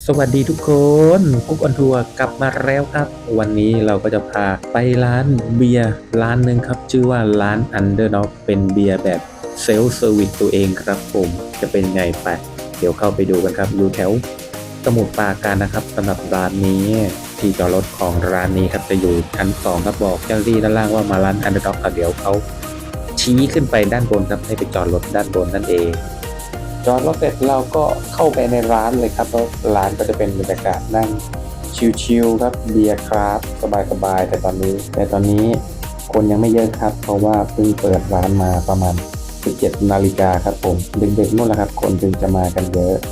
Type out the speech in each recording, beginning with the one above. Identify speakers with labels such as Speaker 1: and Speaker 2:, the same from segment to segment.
Speaker 1: วัสดีทุกคนกุ๊กออนทัวร์กลับมาแล้วครับวันนี้เราก็จะพาไปร้านเบียร์ร้านหนึ่งครับชื่อว่าร้าน Underdog เป็นเบียร์แบบเซลฟ์เซอร์วิสตัวเองครับผมจะเป็นไงไปเดี๋ยวเข้าไปดูกันครับอยู่แถวสมุทรปราการนะครับสำหรับร้านนี้ที่จอดรถของร้านนี้ครับจะอยู่ชั้น2ครับบอกเจ้าหน้าที่ด้านล่างว่ามาร้าน Underdog ครับเดี๋ยวเขาชี้ขึ้นไปด้านบนครับให้ไปจอดรถด้านบนนั่นเองจอดรถเสร็จเราก็เข้าไปในร้านเลยครับแล้วร้านก็จะเป็นบรรยากาศนั่งชิลๆครับเบียร์คราฟต์สบายๆแต่ตอนนี้คนยังไม่เยอะครับเพราะว่าเพิ่งเปิดร้านมาประมาณ17 นาฬิกาครับผมดึกๆนู่นแหละครับคนถึงจะมากันเยอะ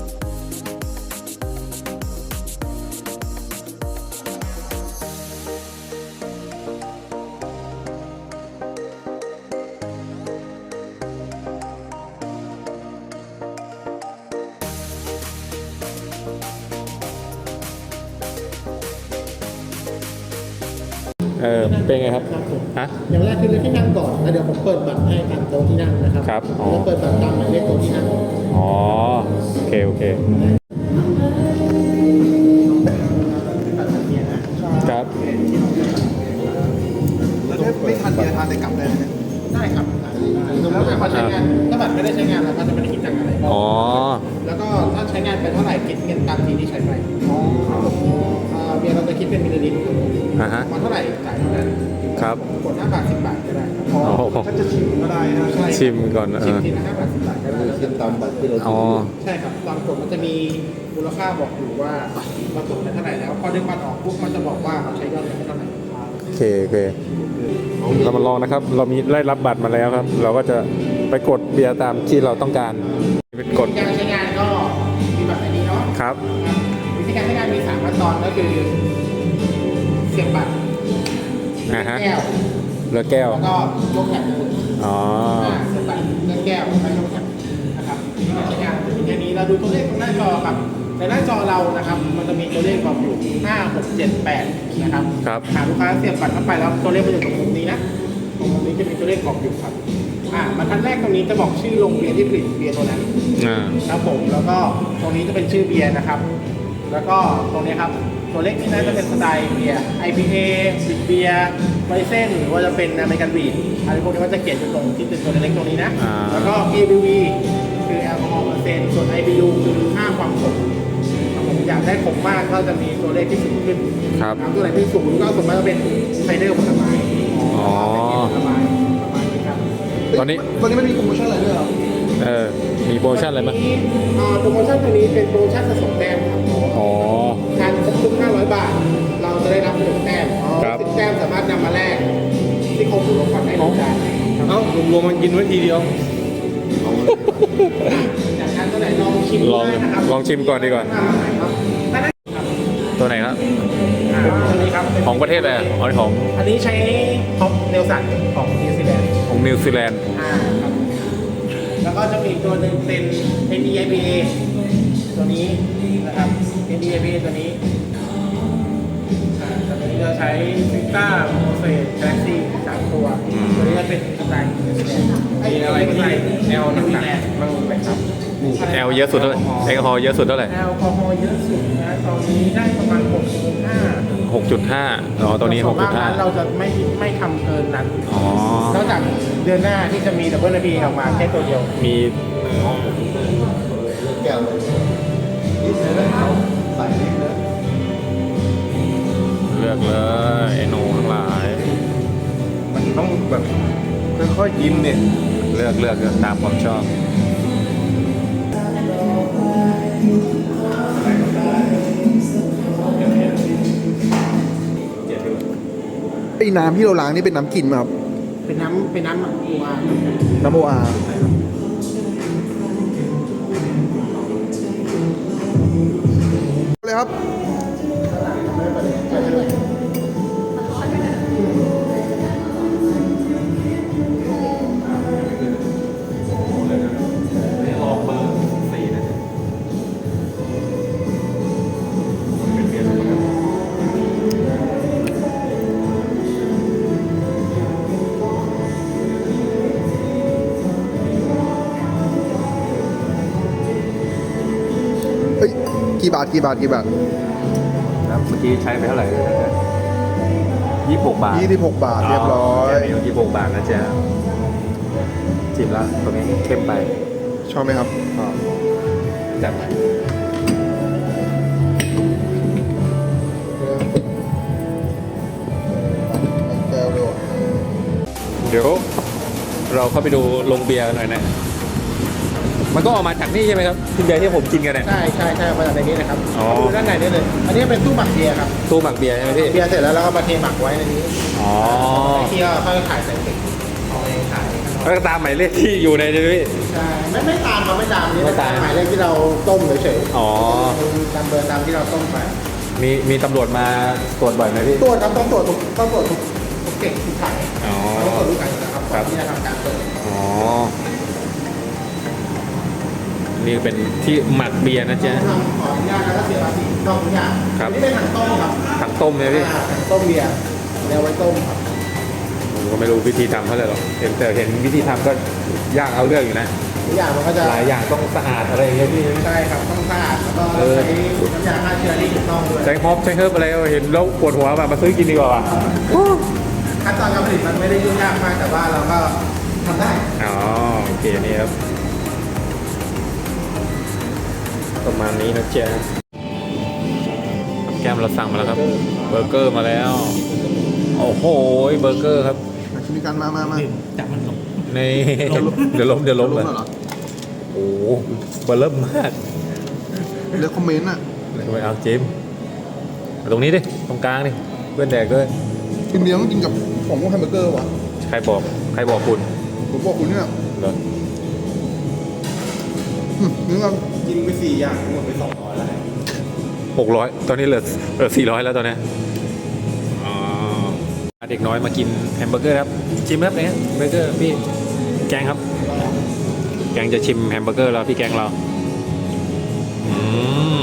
Speaker 1: เป็นไงครับ
Speaker 2: ครับผม
Speaker 1: ฮะ
Speaker 2: อย่างแรกคือเลือกที่นั่งก่อนแล้วเดี๋ยวผมเปิดบัตรให้ตามโต๊ะที่นั่งนะครับ
Speaker 1: ครับอ๋อ
Speaker 2: แล้วเปิดบัตรตามหมายเลขโต๊ะที่นั่ง
Speaker 1: อ๋อโอเคครับ
Speaker 3: แล้วถ้าไม่ทันเบียร์ทานได้กลับได้ไหมเนี่ย
Speaker 2: ได้ครับแล้วแต่เขาใช้งานถ้าบัตรไม่ได้ใช้งานเราก็จะไม่ได้คิดตังค์อะไร
Speaker 1: อ๋อ
Speaker 2: แล้วก็ถ้าใช้งานไปเท่าไหร่คิดเงินตามทีที่ใช้ไปเบียร์เราจะคิดเป็นมิลลิลิตรมาเท่าไหร่จ่ายเท่านั้น
Speaker 1: ครับ
Speaker 2: กด5 บาท 10 บาทก็ได้
Speaker 3: ถ้าจะชิมก็ได้นะ
Speaker 1: ชิมก่อน
Speaker 2: ชิมทีละ5 บาท 10 บาทก็ได้
Speaker 3: ชิมตามบัตรที่เราซื้อ
Speaker 2: ใช่ครับตามกฎมันจะมีมูลค่าบอกอยู่ว่าเรากดไปเท่าไหร่แล้วพอดึงบัตรออกปุ๊บมันจะบอกว่าเราใช้ยอดเงินเท่าไหร่
Speaker 1: โอเคเรามาลองนะครับเรามีได้รับบัตรมาแล้วครับเราก็จะไปกดเบียร์ตามที่เราต้องการเป็นกด
Speaker 2: การใช้งานก็มีแบบนี้เนาะ
Speaker 1: ครับ
Speaker 2: วิธีการใช้งานมี3 ขั้นตอนก็คือเสียบบัตรแก้ว
Speaker 1: เลือกแก้ว
Speaker 2: แล้วก็ยกแขน
Speaker 1: อ๋อ
Speaker 2: เสียบบัตรเลือกแก้วแล้วยกแขนนะครับการใช้งานจะมีแค่นี้เราดูตัวเลขตรงหน้าจอครับในหน้าจอเรานะครับมันจะมีตัวเลขบอกอยู่5 6 7 8นะครับหากลูกค้าเสียบบัตรเข้าไปแล้วตัวเลขมันอยู่ตรงมุมนี้นะตรงมุมนี้จะมีตัวเลขบอกอยู่ครับบรรทัดแรกตรงนี้จะบอกชื่อโรงเบียร์ที่ผลิตเบียร์ตัวนั้นครับผมแล้วก็ตรงนี้จะเป็นชื่อเบียร์นะครับแล้วก็ตรงนี้ครับตัวเลขที่น่าจะเป็นสไตล์เบียร์ IPA บิดเบียร์ไวเส้นหรือว่าจะเป็นอเมริกันบีดอะไรพวกนี้มันจะเขียนอยู่ตรงที่เป็นตัวเล็กตรงนี้นะแล้วก็ ABV คือแอลกอฮอล์เปอร์เซ็นต์ส่วน IBU คือค่าความขมผมอยากได้ขมมากก็จะมีตัวเลขที่สูงขึ้นตัวไหนที่สูงก็สมมติว่าเป็นไซเดอร์ผลไม้ผลไม้ประมาณนี้ครับ
Speaker 3: ตอนนี้มันมีโปรโมชั่นอะไรด้วยเหรอ
Speaker 1: มีโปรโมชั่นอะไรบ้าง
Speaker 2: โปรโมชั่นตัวนี้เป็นโปรโมชั่นสะสมแต้มครับทานครบทุก500 บาทเราจะได้รับ1 แต้ม10 แต้มสามารถนำมาแลกที่โคฟูโรคอนได้1 จาน
Speaker 3: รวมมันกินไว้ทีเดียว
Speaker 2: จากนั้นตัวไหนลองชิมนะครับ
Speaker 1: ลองชิมก่อนดีกว่าตัวไหนครับ
Speaker 2: ตัวนี้ครับ
Speaker 1: ของประเทศอะไรของ
Speaker 2: อันนี้ใช้ท็อปเนลสันของนิวซีแลนด์ครับแล้วก็จะมีตัวหนึ่งเป็น NDIPA ตัวนี้นะครับ NDIPA ตัวนี้จะใช้ฟิต้าโมเสสแกลซี่3 ตัวตัวนี้จะเป็นสไตล์มีอะไรที่แนวหนักๆบ้างไหมครับ
Speaker 1: แอลเยอะสุดเท่าไหร่แอลกอฮอล์เยอะสุดเท่าไหร่
Speaker 2: แอลกอฮอล์เยอะสุดนะตอนนี้ได้ประมาณ 6.5
Speaker 1: ตัวนี้
Speaker 2: 6.5 เราจะไม่ทำเกินนั้นนอกจากเดือนหน้าที่จะมีดับเบิลพีออกมาแค่ตัวเดียว
Speaker 1: มี
Speaker 3: แก้วนี่ใส่เล็กเลย
Speaker 1: เลือกเลยไอ้หนูทั้งหลาย
Speaker 3: มันต้องแบบค่อยๆกินเนี่ย
Speaker 1: เลือกตามความชอบ
Speaker 3: ไอ้น้ำที่เราล้างนี่เป็นน้ำกินไหมครับ
Speaker 2: เป็นน้ำ
Speaker 3: โออาเลยครับกี่บาทบาท
Speaker 1: ครับเมื่อกี้ใช้ไปเท่าไหร่26 บาท
Speaker 3: 26 บาทเรียบร้อย
Speaker 1: 26 บาทนะจ๊ะชิมแล้วตรงนี้เข้มไป
Speaker 3: ชอบไหมครับ
Speaker 1: ก็จัดไปเดี๋ยวเราเข้าไปดูโรงเบียร์หน่อยนะ มันก็ออกมาจากนี่ใช่ไหมครับที่เบียร์ที่ผมกินกันเนี่ย
Speaker 2: ใช่มาจากในนี้นะครับ
Speaker 1: อ๋อ
Speaker 2: ดูด้านในนี่เลยอันนี้เป็นตู้หมักเบียร์ครับ
Speaker 1: ตู้หมักเบียร์ใช่ไหมพี่
Speaker 2: เบียร์เสร็จแล้วเราก็มาเทหมักไว้ในนี้
Speaker 1: อ๋อ
Speaker 2: ที่ก็ค่อยขายใส่ถุงเอาเองขาย
Speaker 1: แล้วก็ตามหมายเลขที่อยู่ในนี้พี่
Speaker 2: ใช่ไม่ตามครับไม่ตามนี่
Speaker 1: ไม่ตาม
Speaker 2: หมายเลขที่เราต้มเฉย
Speaker 1: อ๋อ
Speaker 2: ตามเบอร์ตามที่เราต้มไป
Speaker 1: มีตำรวจมาตรวจบ่อยไหมพี่
Speaker 2: ตรวจครับต้องตรวจทุกเก่งทุกขาย
Speaker 1: อ๋อ
Speaker 2: ต้องตรวจทุกขายนะครับ
Speaker 1: ครับ
Speaker 2: ก่อนที่จะทำการเปิด
Speaker 1: อ๋อ นี่เป็นที่หมักเบียร์นะจ๊ะ
Speaker 2: ทำขออนุญาตแล้วก็เสียภาษีต้องทุกอย่าง
Speaker 1: ครับ
Speaker 2: นี่เป็นถังต้มครับ
Speaker 1: ถังต้มเนี่ยพี่
Speaker 2: ถังต้มเบียร์เอาไว้ต้มครับ
Speaker 1: ผมก็ไม่รู้วิธีทำเท่าไหร่หรอกเห็นวิธีทำก็ยากเอาเรื่องอยู่นะ
Speaker 2: ทุกอย่างมันก็จะ
Speaker 1: หลายอย่างต้องสะอาดอะไรอย่างเงี้ยพี่
Speaker 2: ใช่ครับต้องสะอาดแล้วก็ใช้น้ำยาฆ่าเชื้อที่ถูกต้องด้วย
Speaker 1: ใช้ฮอปใช้เฮิร์บอะไรเห็นแล้วปวดหัวมาซื้อกินดีกว่าว่ะ
Speaker 2: ขั้นตอนการผลิตมันไม่ได้ยุ่งยากมากแต่ว่าเราก็ทำได้
Speaker 1: อ๋อโอเคนี่ครับประมาณนี้นะจ๊ะแก้มเราสั่งมาแล้วครับเบอร์เกอร์มาแล้วโอ้โหเบอร์เกอร์ครับ
Speaker 3: มาชิมกันมา
Speaker 2: จับมันลง
Speaker 1: นี่เดี๋ยวล้มเลย
Speaker 3: เหรอ
Speaker 1: โอ้โหเบอร์เริ่มมาก
Speaker 3: เลือกคอมเมนต์อ่ะ
Speaker 1: ทำไมเอาจิมมาตรงนี้ดิตรงกลางดิเพื่อนแดกด้วย
Speaker 3: กินเบียร์ต้องกินกับของพวกแฮมเบอร์เกอร์ว่ะ
Speaker 1: ใครบอกคุณ
Speaker 3: ผมบอกคุณเนี่ย
Speaker 1: เหรอ
Speaker 3: นึกว่า
Speaker 2: กินไป4 อย่างหมดไป200แล้ว
Speaker 1: 600ตอนนี้เหลือ400แล้วตอนนี้อ๋อเด็กน้อยมากินแฮมเบอร์เกอร์ครับชิมครับเนี่ยเบอร์เกอร์พี่แกงครับ แกงจะชิมแฮมเบอร์เกอร์แล้วพี่แกงเราอืม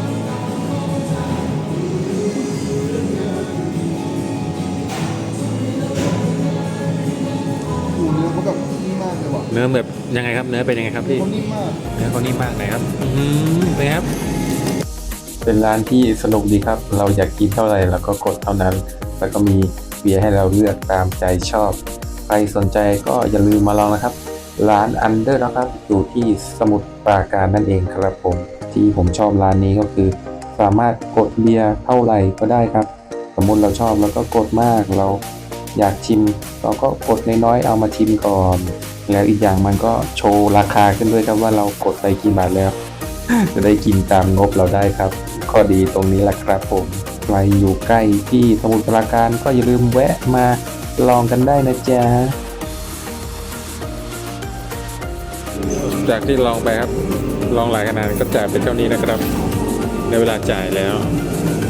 Speaker 3: หูเนื้อเขาแบบนิ่มมากเลยว่ะ
Speaker 1: เนื้อแบบยังไงครับเนื้อเป็นยังไงครับพี่
Speaker 3: เขานิ่มมาก
Speaker 1: เนื้อเขานิ่มมากไหนครับเป็นไงครับ เป็นร้านที่สนุกดีครับ เราอยากกินเท่าไหร่เราก็กดเท่านั้น แล้วก็มีเบียร์ให้เราเลือกตามใจชอบ ใครสนใจก็อย่าลืมมาลองนะครับ ร้าน Under นะครับ อยู่ที่สมุทรปราการนั่นเองครับผม ที่ผมชอบร้านนี้ก็คือ สามารถกดเบียร์เท่าไหร่ก็ได้ครับ สมมติเราชอบเราก็กดมาก เราอยากชิม เราก็กดน้อยๆเอามาชิมก่อน แล้วอีกอย่างมันก็โชว์ราคาขึ้นด้วยครับว่าเรากดไปกี่บาทแล้ว จะได้กินตามงบเราได้ครับ ข้อดีตรงนี้แหละครับผมใครอยู่ใกล้ที่สมุทรปราการก็อย่าลืมแวะมาลองกันได้นะจ๊ะ จากที่ลองไปครับ ลองหลายขนาดก็จ่ายเป็นเท่านี้นะครับในเวลาจ่ายแล้ว